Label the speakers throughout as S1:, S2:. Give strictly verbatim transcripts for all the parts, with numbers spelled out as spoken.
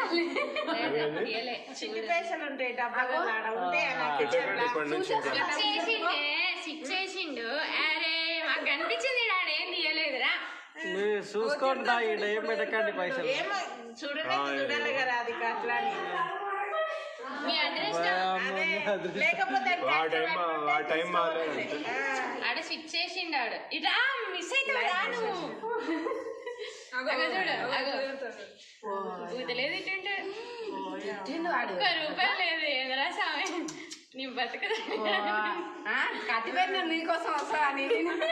S1: చిన్ని పైసలు ఉంటాయి డబ్బాలో
S2: చేసిండు. అరే మాకు కనిపించింది ఆడేం తీయలేదురా.
S3: చూసుకోండి ఏం పెట్టకండి పైసలు.
S1: ఏమో చూడలే చూడాలి కదా అది అట్లా
S2: మీ అడ్రస్
S1: లేకపోతే
S2: ఆడ స్విచ్ చేసిండు. ఆడు ఇట్లా మిస్ అవుతావురా నువ్వు. పూతలేదు ఇటుంటాడు. ఒక్క రూపాయలు లేదు. ఎదురా స్వామి నీ బతుకదా
S4: కట్టిపోయిన నీకోసం వస్తా అని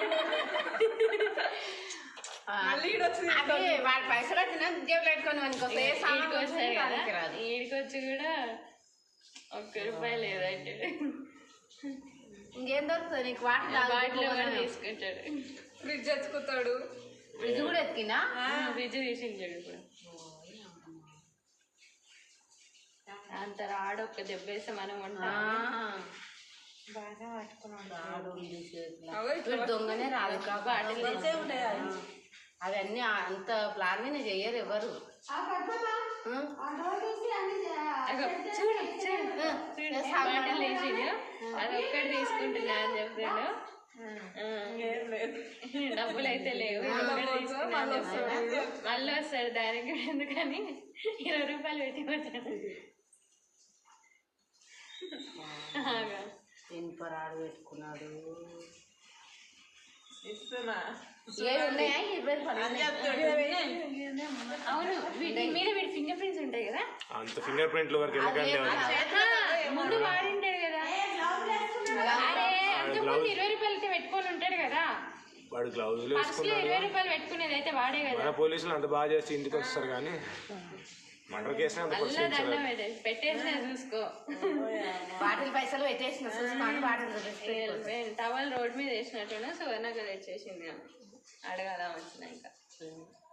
S4: వాడి పైసలు వచ్చినా జేబులు పెట్టుకొని
S2: ఈడికొచ్చి కూడా ఒక్క రూపాయి లేదంటే
S4: ఇంకేం దొరుకుతుంది నీకు? వాటర్
S2: బాటిల్ కూడా తీసుకుంటాడు.
S4: ఫ్రిడ్జ్ ఎత్తుకుతాడు. ఫ్రిడ్జ్ కూడా ఎత్తికినా?
S2: ఫ్రిడ్జ్ తీసించాడు. ఇప్పుడు అంత రాడు. ఒక్క దెబ్బ వేస్తే మనం ఉంటాం.
S4: బాగా పట్టుకున్నాడు. దొంగనే రాదు.
S2: బాటిల్
S4: అవన్నీ అంత ప్లాన్ మీద చెయ్యరు ఎవరు.
S2: చూడు చూడు బాటిల్ వేసిండు. అది ఒక్కటి తీసుకుంటున్నా అని చెప్తాడు. డబ్బులు అయితే లేవు. మళ్ళీ వస్తాడు. దానికి కూడా ఎందుకని ఇరవై రూపాయలు పెట్టి వచ్చాడు.
S4: ఇనుపరాడు పెట్టుకున్నాడు.
S1: ఇస్తున్నా
S4: ఉన్నాయా? ఇరవై
S2: అవును. వీటి మీద వీటి ఫింగర్ ప్రింట్స్ ఉంటాయి కదా.
S3: అంత ఫింగర్ ప్రింట్ల వరకు
S2: ముందు వాడింటాడు కదా. అరే అంతకుముందు ఇరవై రూపాయలు అయితే పెట్టుకొని ఉంటాడు కదా.
S3: వాడు గ్లౌజ్
S2: ఫస్ట్లో ఇరవై రూపాయలు పెట్టుకునేది అయితే వాడే కదా.
S3: పోలీసులు అంత బాగా చేసి ఇంటికి వస్తారు కానీ మర్డర్ కేసు
S2: పెట్టేసిన చూసుకో.
S4: బాటిల్ పైసలు పెట్టేసిన చూసుకోండి. బాటిల్
S2: టవల్ రోడ్ మీద వేసినట్టున్నా సువర్ణగా తెచ్చేసింది. అడగాల వచ్చినాక.